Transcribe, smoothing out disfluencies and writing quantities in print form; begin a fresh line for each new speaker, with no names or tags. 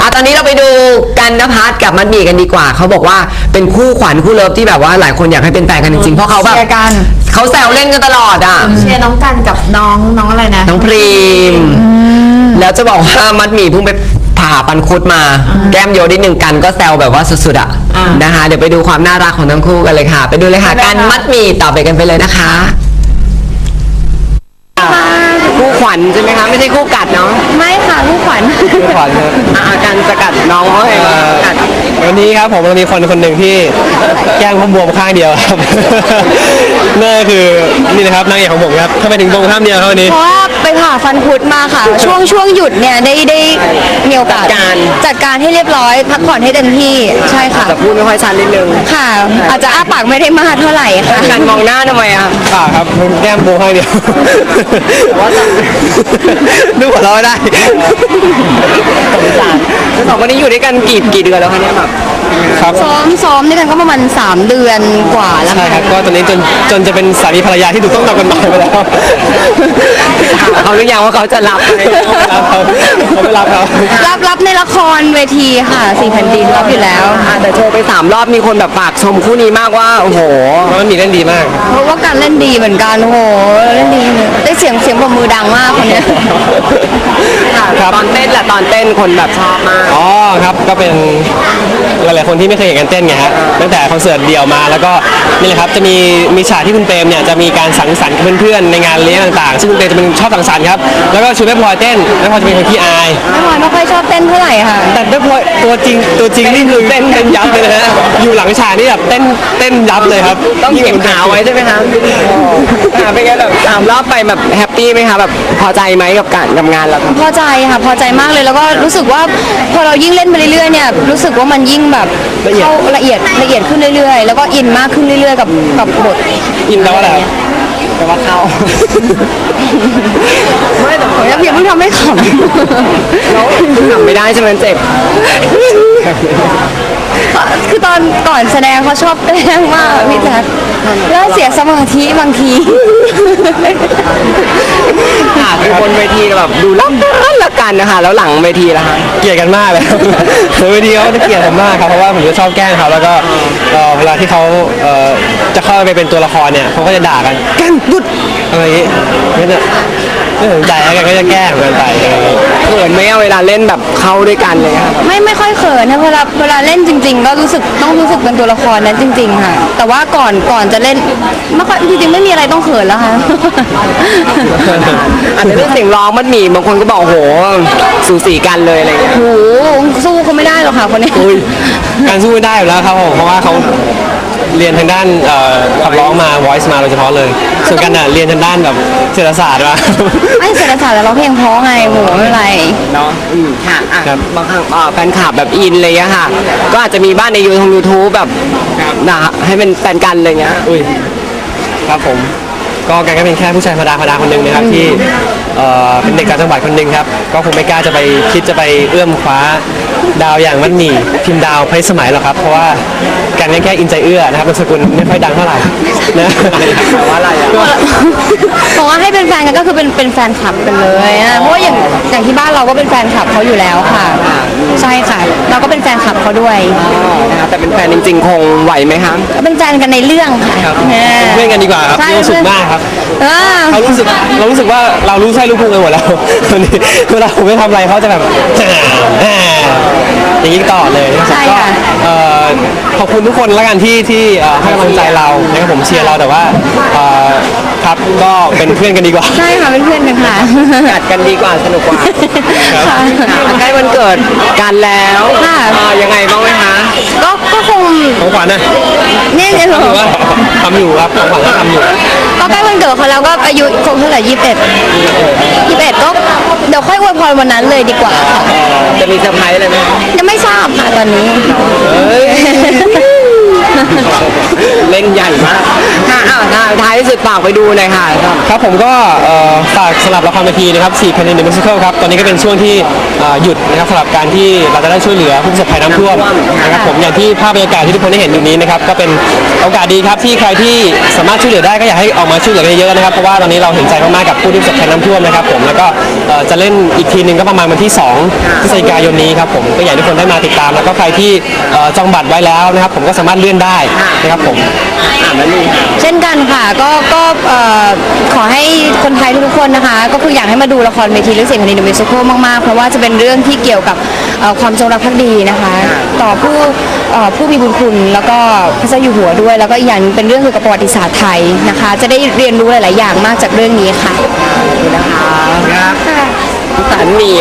ตอนนี้เราไปดูกันณภัทรกับมัดหมี่กันดีกว่าเขาบอกว่าเป็นคู่ขวัญคู่เลิฟที่แบบว่าหลายคนอยากให้เป็นแฟนกันจริงๆเพราะเขาแบบเขาแซวเล่นกันตลอดอ่ะ
เชียร์น้องกันกับน้องอะไรนะ
น้องพรีมแล้วจะบอกว่ามัดหมี่เพิ่งไปผ่าปันคุดมาแก้มโยนิดนึงกันก็แซวแบบว่าสุดๆอ่ะนะคะเดี๋ยวไปดูความน่ารักของทั้งคู่กันเลยค่ะไปดูเลยค่ะกันมัดหมี่ต่อไปกันไปเลยนะคะคู่ขวัญใช่ไหมคะไม่ใช่คู่กัดเนาะ
ไม่ค่ะลูกขวัญ
คู่ขวัญครับ
กันจะกัดน้องเขาเองกัด
วันนี้ครับผมมีคนหนึ่งที่แก้มเขาบวมข้างเดียวครับนั่นคือนี่นะครับนางเอกของผมครับทำไมถึงบวมข้างเดียวครับวันนี้
เพราะว่าไปผ่าฟันคุดมาค่ะช่วงหยุดเนี่ยได้มีโอกาสจัดการให้เรียบร้อยพักผ่อนให้เต็มที่ใช่ค่ะ
แต่พูดไม่ค่อยชัดนิดนึง
ค่ะอาจจะอ้าปากไม่ได้มากเท่าไหร่ค่ะ
การมองหน้าทำไมอ่ะ
ครับแก้มบวมข้างเดียวดูหัวเราะได้
สองคนนี้อยู่ด้วยกันกี่เดือนแล้วคะเนี่ยแบบ
ครับ
ซ้อมด้วยกันก็ประมาณ3 เดือนกว่าแล้ว
ใช่ครับก็ตอนนี้จนจะเป็นสามีภรรยาที่ถูกต้องตามกฎหมายไปแล้ว
เขาหรือยังว่าเขาจะรับ
เขาไม่รับ
ครับรับในละครเวทีค่ะ4 แผ่นดินรับอยู่แล้ว
แต่โชว์ไป3 รอบมีคนแบบปากชมคู่นี้มากว่าโอ้โห
มันมีเล่นดีมาก
เพราะว่าการเล่นดีเหมือนกันโอ้โหเล่นดีได้เสียงปรบมือดังมากคนนี้
ตอนเต้นแหละตอนเต้นคนแบบชอบมาก
อ๋อครับก็เป็นหลายๆคนที่ไม่เคยเห็นกันเต้นไงฮะตั้งแต่คอนเสิร์ตเดี่ยวมาแล้วก็นี่แหละครับจะมีฉากที่คุณเปรมเนี่ยจะมีการสังสรรค์กับเพื่อนๆในงานเลี้ยงต่างๆซึ่งคุณเปรมจะเป็นชอบสังสรรค์ครับแล้วก็ชวนแม่พลอยเต้นแม่พลอยจะเป็นคนขี้อาย
แม่พลอยไม่ค่อยชอบเต้นเท่าไหร่ค่ะ
แต่แม่พลอยตัวจริงนี่คือเต้นยับเลยนะฮะอยู่หลังฉากนี่แบบเต้นยับเลยครับ
ต้องเก็บขาไว้ใช่ไหมคะเป็นไงแบบ3 รอบไปแบบแฮปปี้ไหมคะแบบพอใจไหมกับงานเรา
พอใจค่ะพอใจมากเลยแล้วก็รู้สึกว่าพอเรายิ่งเล่นไปเรื่อยๆเนี่ยรู้สึกว่ามันยิ่งแบบเข้าละเอียดขึ้นเรื่อยๆแล้วก็อินมากขึ้นเรื่อยๆกับบท
อินแล้วอะไร
แต่ว่าเข้า
ไม่แต่ผมยังเพิ่งทำให้ขำ
แล้วทำไม่ได้ใช่ไหมเจ็บ
คือตอนก่อนแสดงเขาชอบแกล้งมากพี่แจ๊คแล้วเสียสมาธิบางที
คือบนเวทีแบบดูรักกันนะคะแล้วหลังเวทีล่ะคะ
เกลียดกันมากเลยเวทีเขาจะเกลียดผมมากครับเพราะว่าผมจะชอบแกล้งเขาแล้วก็เวลาที่เขาจะเข้าไปเป็นตัวละครเนี่ยเขาก็จะด่ากันแกล้งดุดอะไรอย่างงี้ไม่สนใจกันก็จะแกล้งกันไป
เขินไหมเวลาเล่นแบบเข้าด้วยกันเลยครับ
ไม่ค่อยเขินนะเวลาเล่นจริงๆก็ต้องรู้สึกเป็นตัวละครนั้นจริงๆค่ะแต่ว่าก่อนจะเล่นไม่ค่อยจริงๆไม่มีอะไรต้องเขินแล้วค่ะ
อันนี้เรื่องเสียงร้องมันมีบางคนก็บอกโหสูสีกันเลยอะไรเงี้ย
โหสู้เขาไม่ได้หรอกค่ะคนนี้
การสู้ไม่ได้อยู่แล้วครับผมเพราะว่าเขาเรียนทางด้านขับร้องมา voice มาโดยเฉพาะเลยส่วนกันเรียนทางด้านแบบเศรษฐศาสตร์มา
ไม่เศรษฐศาสตร์แล้วร้องเพลงเพราะไงโหไม่เป็นไร
เนาะค่ะบางครั้งแฟนคลับแบบอินเลยอะค่ะก็อาจจะมีบ้านในYouTube แบบให้เป็นแฟนกันอะไรเงี้ย
ครับผมก็กันก็เป็นแค่ผู้ชายธรรมดาคนหนึ่งนะครับที่เป็นเด็กต่างจังหวัดคนหนึ่งครับก็คงไม่กล้าจะไปคิดจะไปเอื้อมคว้าดาวอย่างมัดหมี่พิมพ์ดาวไพสมัยหรอกครับเพราะว่ากันแค่อินใจเอื้อนะครับนามสกุลไม่ค่อยดังเท่าไหร่นะ
แต่ว่าอะไรอะ
บอกว่าให้เป็นแฟนกันก็คือเป็นแฟนคลับกันเลยนะเพราะว่าอย่างที่บ้านเราก็เป็นแฟนคลับเขาอยู่แล้วค่ะใช่ค่ะเราก็เป็นแฟนคลับเขาด้วย
แต่เป็นแฟนจริงๆคงไหวไหมคะ
ก็เป็นแฟนกันในเรื่องค่ะ
เพื่อนกันดีกว่าครับรู้สึกมากครับเรารู้สึกว่าเรารู้ใช่รู้พุงกันหมดแล้วตอนนี้เวลาผมไม่ทำอะไรเขาจะแบบอย่างนี้ต่อเลย
ใช่ค่ะ
ขอบคุณทุกคนแล้วกันที่ให้กำลังใจเรานะครับผมเชียร์เราแต่ว่าครับก็เป็นเพื่อนกันดีกว่า
ใช่ค่ะเป็นเพื่อนกันค่ะ
กัดกันดีกว่าสนุกกว่าใกล้วันเกิดกันแล้วยังไงบ้างไหมคะ
ก็คง
ของขวัญนะ
นี่ไง
ทำอยู่ครับของขวัญก็ทำอยู่
ก็ใกล้วันเกิดเขาแล้วก็อายุคงเท่าไหร่21ก็เดี๋ยวค่อยอวยพรวันนั้นเลยดีกว่าค่ะ
จะมีเซอร์ไพรส์อะไรไหม
ยังไม่ทราบค่ะตอนนี้
เล่นใหญ่มาก
ค่ะอ้าวท้ายที่สุดฝากไปดูหน่อยค่ะ
ครับผมก็ฝากสำหรับละครเวทีนะครับ4 Penny the Musical ครับตอนนี้ก็เป็นช่วงที่หยุดนะครับสำหรับการที่เราจะได้ช่วยเหลือผู้ประสบภัยน้ำท่วมนะครับผมอย่างที่ภาพบรรยากาศที่ทุกคนได้เห็นอยู่นี้นะครับก็เป็นโอกาสดีครับที่ใครที่สามารถช่วยเหลือได้ก็อยากให้ออกมาช่วยเหลือกันเยอะๆนะครับเพราะว่าตอนนี้เราเห็นใจมากๆกับผู้ที่ประสบภัยน้ำท่วมนะครับผมแล้วก็จะเล่นอีกทีหนึงก็ประมาณวันที่2 พฤศจิกายนนี้ครับผมก็อยากให้ทุกคนได้มาติดตามแล้วก็ใครที่จองบัตรไว้แล้วนะครับผมก็สามารถเลื่อนได้นะครับผม
เช่นกันค่ะก็ขอให้คนไทยทุกๆคนนะคะ ก็คืออยากให้มาดูละครเวทีเรื่องเสียงแผ่นดิน The Musical มากๆเพราะว่าจะเป็นเรื่องที่เกี่ยวกับความจงรักภักดีนะคะ ต่อผู้มีบุญคุณแล้วก็พระเจ้าอยู่หัวด้วย แล้วก็อีกอย่างเป็นเรื่องเกี่ยวกับประวัติศาสตร์ไทยนะคะ จะได้เรียนรู้หลายๆอย่างมากจากเรื่องนี้ค่ะ
นะคะ
ค่ะ
สารมี